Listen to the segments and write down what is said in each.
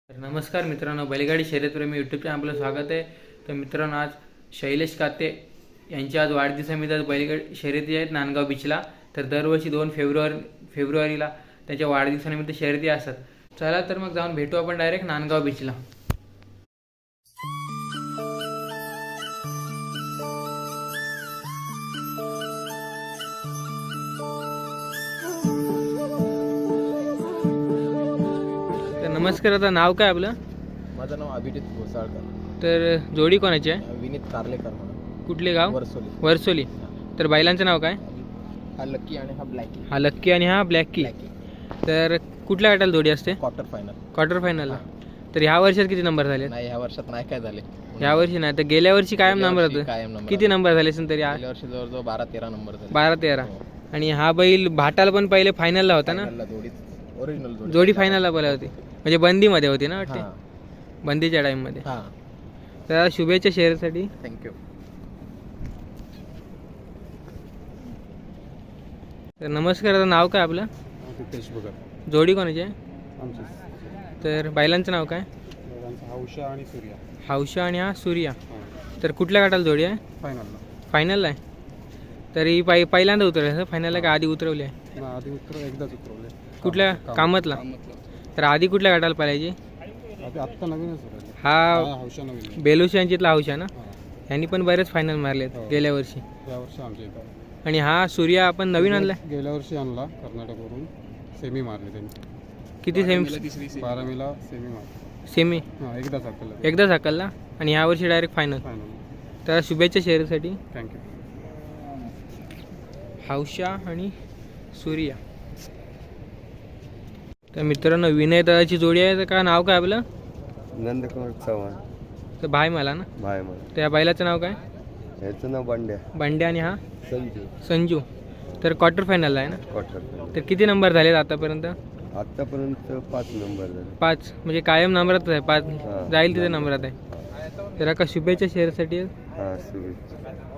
नमस्कार मित्रांनो, बैलगाडी शर्यतप्रेमी यूट्यूब चॅनल आपलं स्वागत आहे. तर मित्रांनो, आज शैलेश काते यांची आज वाढदिवसानिमित्त आज बैलगाडी शर्यती आहेत नांदगाव बीचला. तर दरवर्षी 2 फेब्रुवारीला त्यांच्या वाढदिवसानिमित्त शर्यती असतात. चला तर मग जाऊन भेटू आपण डायरेक्ट नांदगाव बीचला. नमस्कार, आता नाव काय आपलं? माझं नाव अभिजित घोसाळकर. तर जोडी कोणाची आहे? विनीत कारलेकर म्हणून. कुठले गाव? वर्सोली. तर बैलांचं नाव काय? हा लक्की आणि हा ब्लॅकी. हा लक्की आणि हा ब्लॅकी. तर कुठल्या गटाला जोडी असते? क्वार्टर फायनलला. तर ह्या वर्षात किती नंबर झाले? नाही, ह्या वर्षात नाही काय झाले. ह्या वर्षी नाही, तर गेल्या वर्षी कायम नंबर होतं. किती नंबर झाले असेल तरी? गेल्या वर्षी जवळजवळ 12-13 नंबर झाले. 12-13. आणि हा बैल भाटाला पण पहिले फायनलला होता ना? ओरिजिनल जोडी फायनलला पहिले होती, म्हणजे बंदीमध्ये होती ना वाटते? बंदीच्या टाइममध्ये. तर शुभेच्छा शेअरसाठी. थँक्यू. तर नमस्कार, आता नाव काय आपलं? रितेश भगत. जोडी कोणाची आहे? आमचे तर बैलांचं नाव काय? हौशा आणि सूर्या. हौशा आणि हा सूर्या. तर कुठल्या गटाला जोडी आहे? फायनलला आहे. तरी पहिल्यांदा उतरले फायनलला का आधी उतरवली आहे? आधी एकदाच उतरवले. कुठल्या कामातला? तर आधी कुठल्या गटाला पाहिजे? आत्ता नवीनच हा हौशा नवीन. बेलूशी यांच्यातला हौशा ना? यांनी पण बरेच फायनल मारलेत गेल्या वर्षी. या वर्षी आमच्या इथं. आणि हा सूर्या आपण नवीन आणला? गेल्या वर्षी आणला कर्नाटकवरून. सेमी मारले त्यांनी. किती सेमी? 12वीला सेमी मारले. सेमी एकदाच हाकलला. आणि ह्या वर्षी डायरेक्ट फायनल. तर शुभेच्छा शेअरसाठी. थँक्यू. हौशा आणि सूर्या. तर मित्रांनो, विनय दादाची जोडी आहे. तर का नाव काय आपलं? नंदकुमार चव्हाण. तर भाई मला ना? भाई मला. त्या बैलाचं नाव काय? याचं नाव बंड्या. बंड्या. आणि हा? संजू. तर क्वार्टर फायनलला आहे ना? क्वार्टर. तर किती नंबर झालेत आतापर्यंत? आतापर्यंत 5 नंबर झाले. 5, म्हणजे कायम नंबरात आहे. 5 जाईल तिथे नंबरात आहे. तर का शुभेच्छा शेअरसाठी. हां, शुभेच्छा.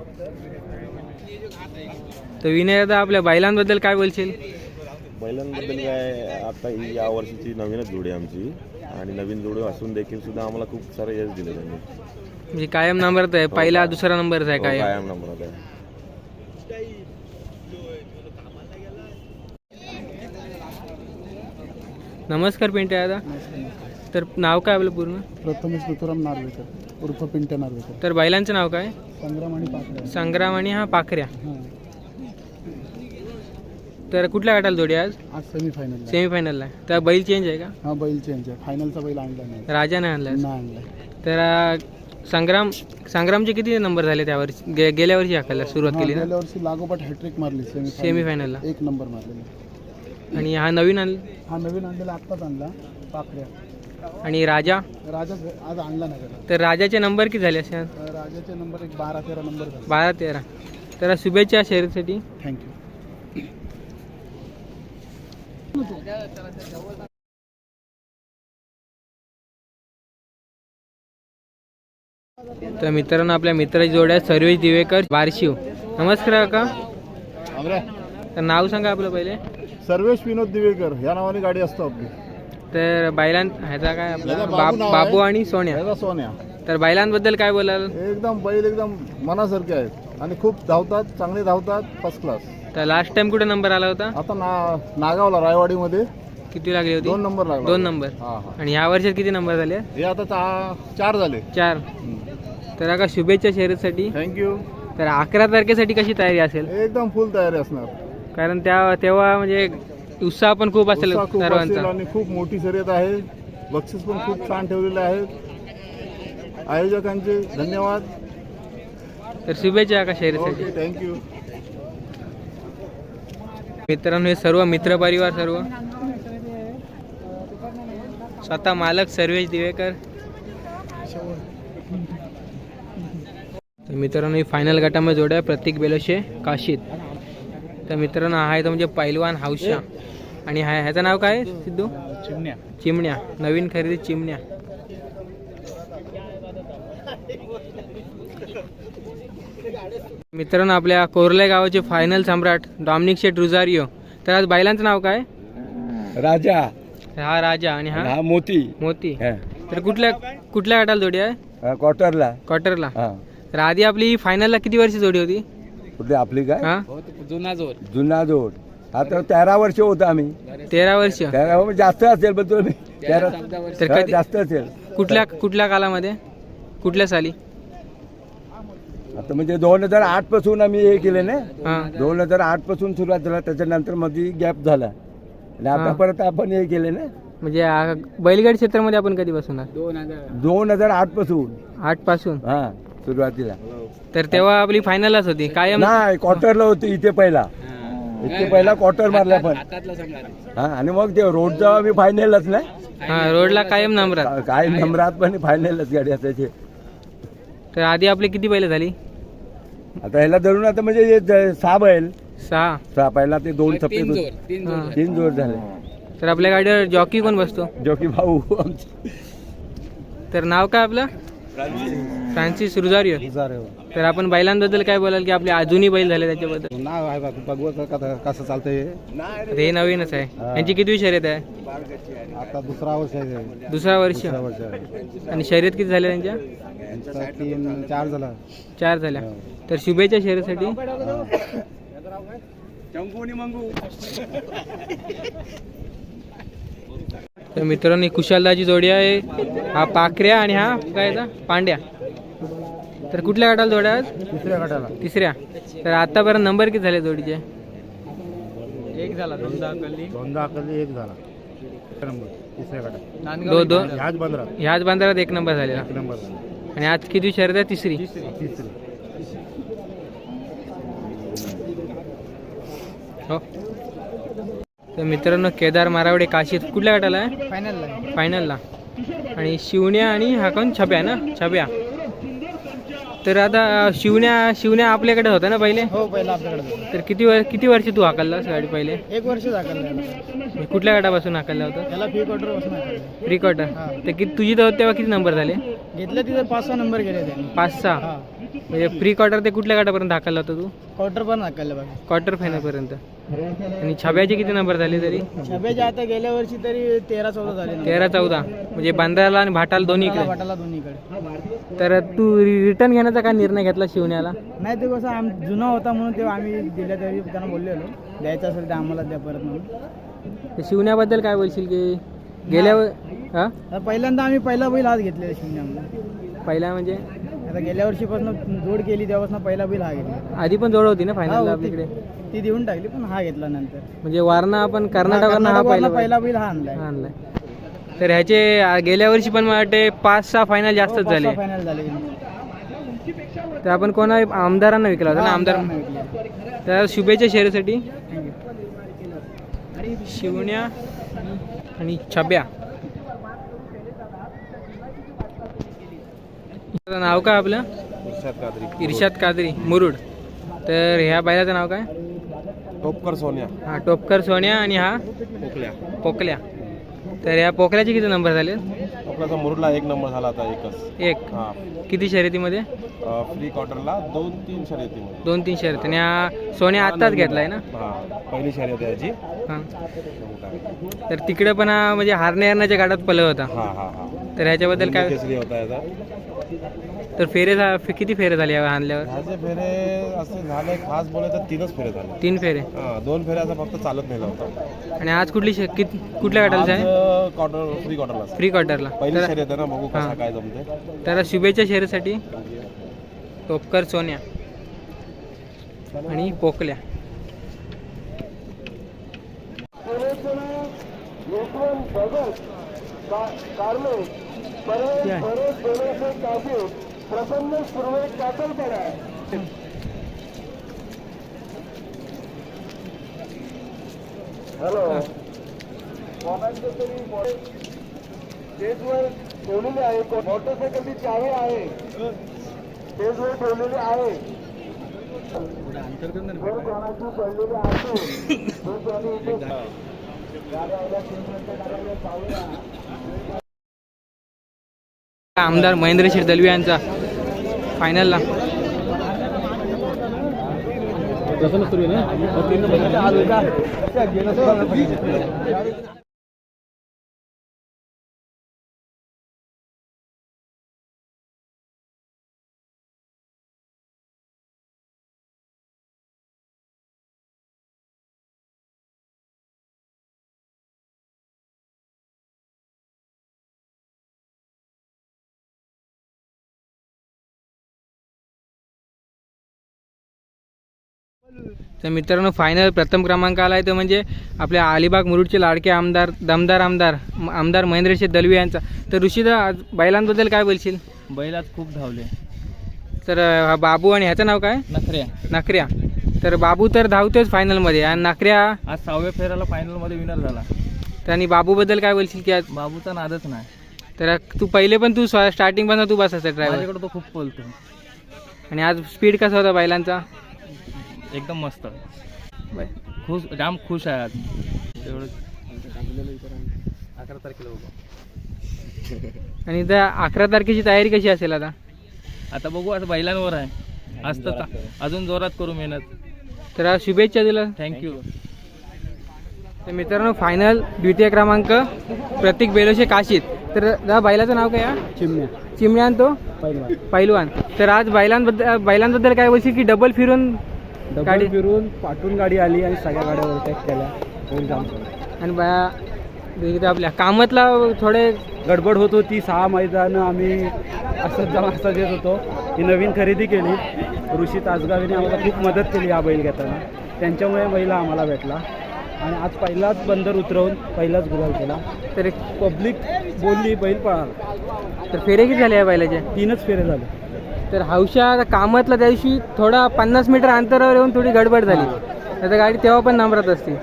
तर विनय दादा, आपल्या बैलांबद्दल काय बोलशील? बैलांबद्दल काय, आता ही या वर्षीची नवीनच जोडी आमची. आणि नवीन जोडी असून देखील सुद्धा आम्हाला खूप सारं यश दिलं त्यांनी. म्हणजे कायम नंबरात आहे. पहिला दुसरा नंबरच आहे कायम नंबरात आहे. नमस्कार पिंट्या दादा. तर नाव काय आपलं पूर्ण? प्रथमेश ऋतुराम नार्वेकर उर्फ पिंट्या नार्वेकर. तर बैलांचं नाव काय? संग्राम आणि हा पाखऱ्या. तर कुठल्या गटाला जोडी आज? सेमीफायनलला आहे. तर बैल चेंज आहे का? हा, बैल चेंज आहे. फायनलचा बैल आणला नाही. राजाने आणला. तर संग्रामचे किती नंबर झाले त्यावर्षी? गेल्या वर्षी हाकायला सुरुवात केली ना? गेल्या वर्षी लागोपाठ हॅट्रिक मारली सेमीफायनलला. 1 नंबर मारलेला. आणि हा नवीन हा नवीन आणलेला आत्ताच आणला, पाखऱ्या. आणि राजा आज आणला नाही. तर राजाचे नंबर किती झाले असे? राजाचे नंबर 12-13 नंबर झाले. 12-13. तर शुभेच्छा शेअरसाठी. थँक्यू. तर मित्रांनो, आपल्या मित्राची जोड्या सर्वेश दिवेकर बारशिव. नमस्कार काका. तर नाव सांगा आपलं पहिले. सर्वेश विनोद दिवेकर या नावाने गाडी असतो आपली. तर ह्याचा काय आपला? बाबू आणि सोन्या. सोन्या. तर बैलांबद्दल काय बोलाल? बैल एकदम मनासारखे आहेत आणि खूप धावतात, चांगले धावतात, फर्स्ट क्लास. तर लास्ट टाइम कुठे नंबर आला होता? आता नागावला रायवाडीमध्ये. किती लागली होती? 2 नंबर लागला. 2 नंबर. आणि ह्या वर्षात किती नंबर झाले? हे आता 4 झाले. 4. तर आता शुभेच्छा शर्यतीसाठी. थँक्यू. तर 11 तारखेसाठी कशी तयारी असेल? एकदम फुल तयारी असणार. कारण तेव्हा म्हणजे उत्साह पण खूप असेल सर्वांचा. आणि खूप मोठी शर्यत आहे. बक्षीस पण खूप छान ठेवलेले आहेत. आयोजकांचे धन्यवाद. तर शुभेच्छा का शर्यतीसाठी. थँक्यू. मित्रांनो, हे सर्व मित्र परिवार, सर्व स्वतः मालक सर्वेश दिवेकर. तर मित्रांनो, ही फायनल गटामध्ये जोड्या प्रतीक बेलोशे काशीत. तर मित्रांनो, हा आहे तो म्हणजे पैलवान हौशा. आणि ह्याचं नाव काय सिद्धू? चिमण्या. नवीन खरेदी चिमण्या. मित्रांनो, आपल्या कोरले गावाचे फायनल सम्राट डॉमिनिक शेट रुझारियो. तर आज बैलांचं नाव काय? हा राजा आणि हा हा मोती मोती. हा. तर कुठल्या गटाला जोडी आहे? क्वार्टरला क्वार्टरला. हा तर आधी आपली फायनलला किती वर्ष जोडी होती? कुठली आपली काय हा जुना जोड आता 13 वर्ष होतं आम्ही 13 वर्ष. 13 जास्त असेल पण तुम्ही 13 तर हा, कधी जास्त असेल कुठल्या कालामध्ये कुठल्या साली? आता म्हणजे 2008 पासून आम्ही हे केले ना हा 2008 पासून सुरुवात झाला त्याच्यानंतर मध्ये गॅप झाला आणि आता हा. परत आपण हे केले ना म्हणजे बैलगाडी क्षेत्रामध्ये आपण कधीपासून आहात? 2008 पासून 8 पासून. हा सुरुवातीला तर तेव्हा आपली फायनलच होती कायम. नाही क्वार्टरला होती इथे पहिला क्वार्टर मारला पण हा आणि मग ते रोडचा आम्ही फायनलच ना हा रोडला कायम नंबरात. काय नंबरात पण फायनलच गाडी असायची. तर आधी आपली किती बैल झाली? आता ह्याला धरून आता म्हणजे हे 6 बैल 6. पहिला ते 2 सफेद होते. हा. 3 जोड झाले तर आपल्या गाडीवर जॉकी कोण बसतो? जो की भाऊ आमचे. तर नाव काय आपलं? फ्रान्सिस रुजारियो. तर आपण बैलांबद्दल काय बोलाल की आपले अजूनही बैल झाले त्याच्याबद्दल? नाव आहे बघू कसं चालतंय. तर हे नवीनच आहे. यांची किती शर्यत आहे? आता दुसरा वर्ष आहे. दुसरा वर्ष. आणि शर्यत किती झाल्या त्यांच्या? 3-4 झाला. 4 झाल्या. तर शुभेच्छा शर्यतीसाठी. तर मित्रांनो कुशालदाची जोडी आहे. हा पाखऱ्या आणि हा काय याचा? पांड्या. तर कुठल्या गटाला जोड्या आहेत? तिसऱ्या गटाला. तिसऱ्या. तर आतापर्यंत नंबर किती झाले जोडीचे? एक झाला. दोनदा अकली एक झाला. तिसऱ्या गटात. दोन ह्याच बंदरात ह्याच बांधारात 1 नंबर झालेला. 1 नंबर झाला. आणि आज किती शर्यत आहे? तिसरी. तिसरी. हो. तर मित्रांनो केदार मारावडे काशीत कुठल्या गटाला आहे? फायनलला. आणि शिवण्या आणि हा कोण? छब्या ना? छब्या. तर आता शिवण्या आपल्याकडे होता ना पहिले? हो पहिला आपल्याकडे तर किती वर्ष तू हाकललास गाडी पहिले? 1 वर्ष दाखल. कुठल्या गटापासून हाकलला होता? त्याला फी क्वार्टर बसून हाकललं. Pre quarter. तर तुझी तेव्हा किती नंबर झाले? घेतलं तिथे 5-6 नंबर गेले त्यांनी. 5-6. हा म्हणजे प्री क्वार्टर ते कुठल्या गटापर्यंत हाकलला होता तू? क्वार्टर पण हाकललं बघा. क्वार्टर फायनल पर्यंत. आणि छब्याचे किती नंबर झाले तरी? छब्याच्या आता गेल्या वर्षी तरी 13-14 झाले. 13-14. म्हणजे बांद्राला आणि भाटाला दोन्हीकडे. वाटाला दोन्हीकडे. तर तू रिटर्न घेण्याचा काय निर्णय घेतला शिवण्याला? नाही ते कसं जुना होता म्हणून तेव्हा आम्ही दिल्या तरी त्यांना बोललेलो द्यायचं असेल तर आम्हाला द्या परत म्हणून. तर शिवण्याबद्दल काय बोलशील की गेल्यावर हा तर पहिल्यांदा आम्ही पहिला बैल हाच घेतलेला शिवण्यामध्ये. पहिला म्हणजे आता गेल्या वर्षीपासून जोड केली तेव्हापासून पहिला बैल हा घेतला. आधी पण जोड होती ना हा, फायनलला होती. आपल्याकडे? ती देऊन टाकली पण हा घेतला नंतर. म्हणजे वारणा आपण कर्नाटकांना हा पहिला बैल हा आणलाय. आणलाय. तर ह्याचे गेल्या वर्षी पण मला वाटते 5-6 फायनल जास्तच झाले. फायनल झाले. तर आपण कोणा आमदारांना विकला होता ना? आमदार. तर शुभेच्छा शहरासाठी. शिवण्या आणि छब्या. नाव काय आपलं? इर्शाद कादरी मुरुड. तर ह्या बैलाचं नाव काय? टोपकर सोन्या. हा टोपकर सोन्या. आणि हा पोकल्या. तर ह्या पोकल्याचे किती नंबर झाले? आपल्याचा मुरुडला 1 नंबर झाला आता एकच. 1. हा किती शर्यतीमध्ये? फ्री क्वार्टरला 2-3 शर्यतीमध्ये. 2-3 शर्यत. आणि हा सोन्या आत्ताच घेतलाय ना? हा पहिली शर्यत आहे याची. हां. तर तिकडे पण हा म्हणजे हारण्याच्या गाडात पलव होता. हा हा हा तर ह्याच्याबद्दल काय? केसरी होता याचा. तर किती फेरे झाले या आणल्यावर? ह्याचे फेरे असे झाले खास बोले तर 3च फेरे झाले. 3 फेरे. हा 2 फेरे असं फक्त चालत नेला होता. आणि आज कुठल्या गटाला आहे? क्वार्टर फ्री क्वार्टरला फ्री क्वार्टरला. पहिली शर्यत आहे ना, बघू कसा काय जमते. तर शुभेच्छा शहरासाठी. टोपकर सोन्या आणि पोकल्या. हॅलो कोणाचे तरी स्टेजवर ठेवलेली आहे. मोटरसायकलची चावी आहे स्टेजवर ठेवलेली आहे. जर कोणाची पडलेली आहे तो कोणी इथे आमदार महेंद्र शेठ दलवी यांचा फायनलला. तर मित्रांनो फायनल प्रथम क्रमांक आला आहे तो म्हणजे आपल्या अलिबाग मुरुडचे लाडके आमदार दमदार आमदार महेंद्रशेठ दलवी यांचा. तर ऋषीदा आज बैलांबद्दल काय बोलशील? बैल आज खूप धावले. तर हा बाबू आणि ह्याचं नाव काय? नखऱ्या. तर बाबू तर धावतोच फायनलमध्ये आणि नखऱ्या आज 6व्या फेऱ्याला फायनलमध्ये विनर झाला. तर आणि बाबूबद्दल काय बोलशील की आज? बाबूचा नादच नाही. तर तू पहिले पण तू स्टार्टिंग पासून तू बसायचा ड्रायव्हर माझ्याकडे तो खूप बोलतो आणि आज स्पीड कसा होता बैलांचा? एकदम मस्त. बाय. जाम खुश आहे आज. एवढं 11 तारखेला बघू. आणि त्या 11 तारखेची तयारी कशी असेल आता? आता बघू, आता बैलांवर आहे. आज तर अजून जोरात करू मेहनत. तर आज शुभेच्छा दिला. थँक्यू. तर मित्रांनो फायनल द्वितीय क्रमांक प्रतीक बेलोशे काशीत. तर त्या बैलाचं नाव काय? चिमण्या आणि तो पैलवान. तर आज बैलांबद्दल काय बोलशील की डबल फिरून पाठवून गाडी आली आणि सगळ्या गाड्या ओव्हरटेक केल्या. आणि आपल्या कामातला थोडे गडबड होत होती. 6 मैदान आम्ही असं देत होतो. ही नवीन खरेदी केली. ऋषी तासगावीने आम्हाला खूप मदत केली हा बैल घेताना. त्यांच्यामुळे बैल आम्हाला भेटला आणि आज पहिलाच बंदर उतरवून पहिलाच गुलाल केला. तर पब्लिक बोलली बैल पळाला. तर फेरे किती झाले या बैलाचे? 3च फेरे झाले. तर हौशा कामातला त्या दिवशी थोडा 50 मीटर अंतरावर येऊन थोडी गडबड झाली. तर गाडी तेव्हा पण नंबरात असते.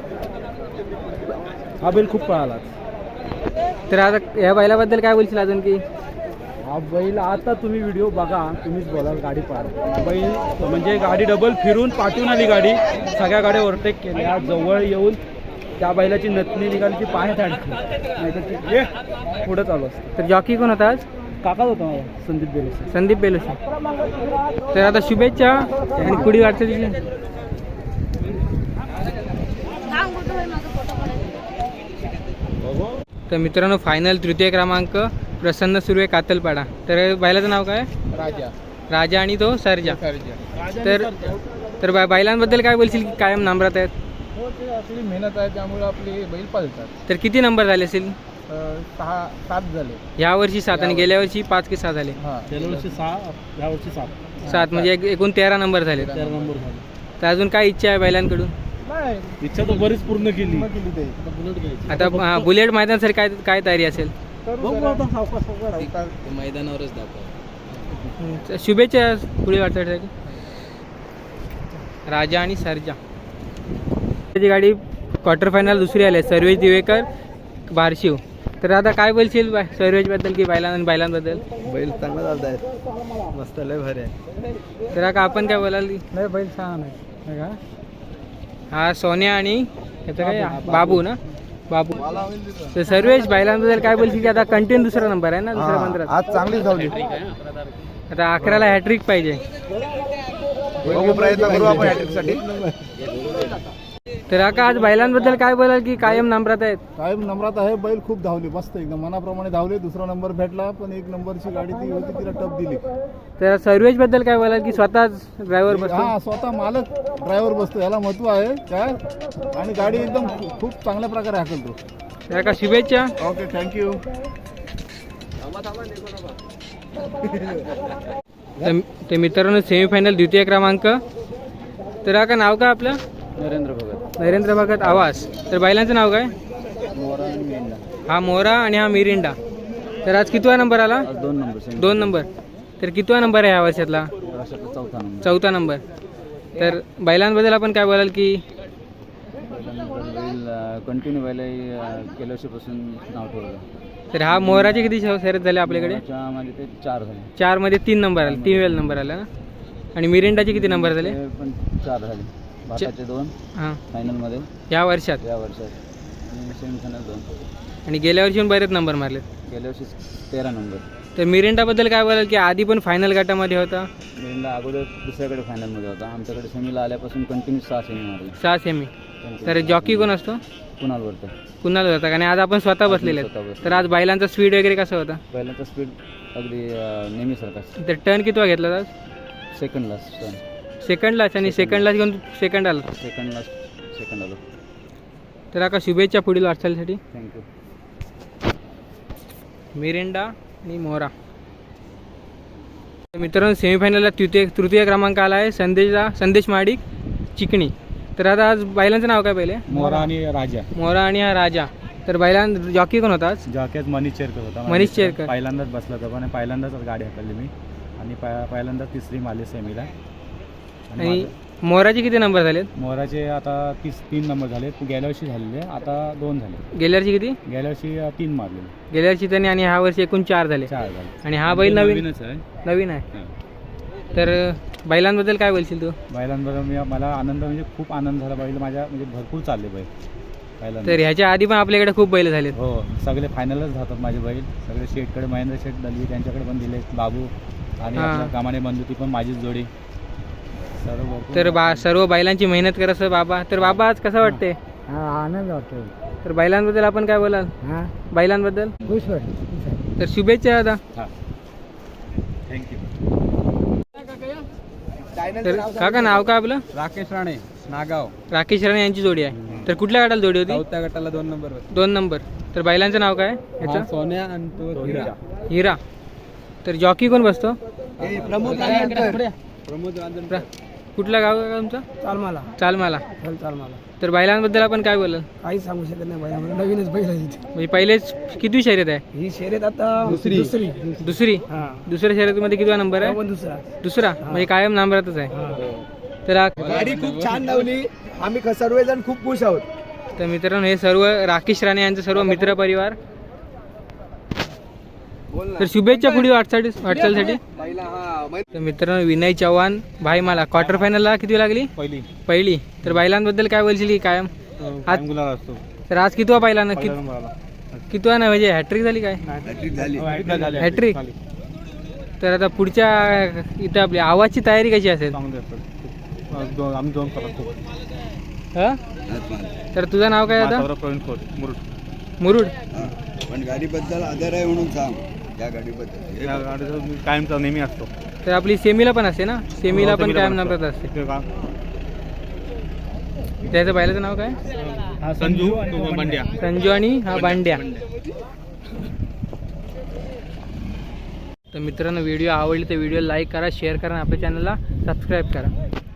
हा बैल खूप पळाला. तर आता या बैलाबद्दल काय बोलशील अजून की? हा बैल आता तुम्ही व्हिडिओ बघा, तुम्हीच बोलाल. गाडी पळाला बैल म्हणजे गाडी डबल फिरून पाठवून आली. गाडी सगळ्या गाड्या ओव्हरटेक केल्या. जवळ येऊन त्या बैलाची नथनी निघाली, ती पायात अडकली, नाही तर ती पुढं चालू असतं. तर जॉकी कोण होता आज? काकाच होता माझा, संदीप बेलोसे. तर आता शुभेच्छा आणि पुढील वाटचालीची. तर मित्रांनो फायनल तृतीय क्रमांक प्रसन्न सुर्वे कातलपाडा. तर बैलाचं नाव काय? राजा आणि तो सर्जा. तर बैलांबद्दल काय बोलशील की कायम नंबरात आहेत? हो, ते आपली मेहनत आहे, त्यामुळे आपली बैल पळतात. तर किती नंबर झाले असेल? 6-7 झाले. ह्या वर्षी 7 आणि गेल्या वर्षी 5 की 6 झाले? गेल्या वर्षी 6, ह्या वर्षी 7 म्हणजे एकूण 13 नंबर झाले. 13 नंबर झाले. तर अजून काय इच्छा आहे बैलांकडून? नाही, इच्छा तर बरीच पूर्ण केली. आता बुलेट मैदानासाठी काय तयारी असेल? मैदानावरच दाखव. शुभेच्छा पुढे वाटचालीसाठी. राजा आणि सर्जा त्याची गाडी क्वार्टर फायनल दुसरी आली. सर्वेश दिवेकर बारशिव. तर आता काय बोलशील सर्वेशबद्दल की बैलांबद्दल? बैल चांगला चालत आहे, मस्त लय भारी आहे. तर आता आपण काय बोलाल? नाही, बैल छान आहे. हा सोन्या आणि याचं काय बाबू ना? बाबू. तर सर्वेश बैलांबद्दल काय बोलशील की आता कंटिन्यू दुसरा नंबर आहे ना दुसऱ्या पंधरात? आज चांगली धावली. आता 11ला हॅट्रिक पाहिजे. प्रयत्न करू आपण हॅट्रिकसाठी. तर आता आज बैलांबद्दल काय बोलाल की कायम नंबरात आहेत? कायम नंबरात आहे. बैल खूप धावली, मस्त एकदम मनाप्रमाणे धावले. दुसरा नंबर भेटला, पण 1 नंबरची गाडी ती होती, तिला टप दिली. तर सर्वेश बद्दल काय बोलाल की स्वतःच ड्रायव्हर बसतो? हा, स्वतः मालक ड्रायव्हर बसतो, याला महत्व आहे काय. आणि गाडी एकदम खूप चांगल्या प्रकारे हाकलतो. तर का शुभेच्छा. Okay, thank you. तर मित्रांनो सेमीफायनल द्वितीय क्रमांक. तर का नाव काय आपलं? नरेंद्र भगत आवास. तर बैलांचं नाव काय? हा मोरा आणि हा मिरिंडा. तर आज कितवा नंबर आला? 2 नंबर. तर कितवा नंबर आहे ह्या वर्षातला? चौथा नंबर. तर बैलांबद्दल आपण काय बोलाल की? कंटिन्यू बैल गेल्या वर्षीपासून नाव ठेवलं. तर हा मोराचे किती शर्यत झाले आपल्याकडे? त्याच्यामध्ये ते 4 झाले. 4 मध्ये 3 नंबर आले, 3 वेळेला नंबर आला ना. आणि मिरिंडाचे किती नंबर झाले? ते पण 4 झाले. भारताचे 2 हां फायनलमध्ये या वर्षात सेमीफायनल 2. आणि गेल्या वर्षी पण बरेच नंबर मारले. गेल्या वर्षी 13 नंबर. तर मिरिंडाबद्दल काय बोलाल की आधी पण फायनल गटामध्ये होता? मिरिंडा अगोदर दुसऱ्याकडे फायनलमध्ये होता. आमच्याकडे सेमीला आल्यापासून कंटिन्यू 6 सेमी मारले. 6 सेमी. तर जॉकी कोण असतो? कुणालवरतं. कुणाला होता आणि आज आपण स्वतः बसलेले आहेत. तर आज बैलांचा स्पीड वगैरे कसा होता? पहिल्यांदा स्पीड अगदी नेहमीसारखा. तर टर्न किती घेतला आज? सेकंडला सेकंडलाच. आणि सेकंडलाच घेऊन सेकंड आला. सेकंड आलो. तर आता शुभेच्छा पुढील वाटचालीसाठी. थँक्यू. मिरिंडा आणि मोरा. मित्रांनो सेमीफायनलला तृतीय क्रमांक आला आहे संदेश महाडिक चिकणी. तर आता आज बैलांचं नाव काय पहिले? मोरा आणि राजा. मोरा आणि हा राजा. तर बैलां जॉकी कोण होता आज? जॉकेत मनीष चेरकर होता. मनीष चेरकर. पहिल्यांदाच बसला होता पण पहिल्यांदाच गाडी हाकलली मी आणि पहिल्यांदा तिसरी मारली सेमीला. आणि मोराचे किती नंबर झालेत? मोराचे आता 3 नंबर झाले. गेल्या वर्षी झालेले, आता 2 झाले. गेल्या वर्षी किती? गेल्या वर्षी 3 मारलेले. गेल्या वर्षी त्यांनी आणि ह्या वर्षी एकूण 4 झाले. 4 झाले. आणि हा बैल नवीनच आहे. नवीन आहे. तर बैलांबद्दल काय बोलशील तू? बैलांबरोबर मला आनंद म्हणजे खूप आनंद झाला. बैल माझ्या म्हणजे भरपूर चालले बैल बैलांना. तर ह्याच्या आधी पण आपल्याकडे खूप बैल झालेत. हो, सगळे फायनलच जातात माझे बैल. सगळे शेटकडे महेंद्र शेट दलवी त्यांच्याकडे पण दिले, बाबू आणि आपल्या कामाने बंधू ती पण माझीच जोडी. तर सर्व बैलांची मेहनत करत बाबा. तर बाबा आज कसं वाटते? आनंद वाटतो. तर बैलांबद्दल आपण काय बोलाल? बैलांबद्दल खुश वाटतं. तर शुभेच्छा दादा. थँक्यू. तर काका नाव काय आपलं? राकेश राणे, नागाव. राकेश राणे यांची जोडी आहे. तर कुठल्या गटाला जोडी होती? 4थ्या गटाला 2 नंबर. 2 नंबर. तर बैलांचं नाव काय याचं? सोन्या आणि तो हिरा. हिरा. तर जॉकी कोण बसतो? प्रमोद रांजणकर. कुठलं गाव आहे तुमचं? चालमाला. चालमाला. चालमाला. तर बैलांबद्दल आपण काय बोलाल? काही सांगू शकत नाही बैला, नवीनच बैल आहे. म्हणजे पहिलेच किती शर्यत आहे? ही शर्यत आता दुसरी. दुसऱ्या शर्यतीमध्ये कितवा नंबर आहे? दुसरा. म्हणजे कायम नंबरातच आहे. तर गाडी खूप छान लावली. आम्ही सर्वजण खूप खुश आहोत. तर मित्रांनो हे सर्व राकेश राणे यांचं सर्व मित्र परिवार. तर शुभेच्छा पुढे वाटचालीसाठी. तर मित्रांनो विनय चव्हाण भाई मला क्वार्टर फायनलला किती लागली? पहिली. तर बैलांबद्दल काय बोलशील की कायम आज? तर आज कितवा पाहिला ना? कितवा ना म्हणजे हॅट्रिक झाली काय? हॅट्रिक. तर आता पुढच्या इथं आपली आवाजची तयारी कशी असेल? हा? तर तुझं नाव काय आता? मुरुड. पण गाडीबद्दल आदर आहे म्हणून सांग. या गाडीबद्दल कायमचा नेहमी असतो. तर आपली सेमीला पण असते ना? सेमीला पण कायम नंबरात असते. त्याचं बैलाचं नाव काय? संजू बंड्या. संजू आणि हा बांड्या. तर मित्रांनो व्हिडिओ आवडली तर व्हिडिओ लाईक करा, शेअर करा आणि आपल्या चॅनलला सबस्क्राईब करा.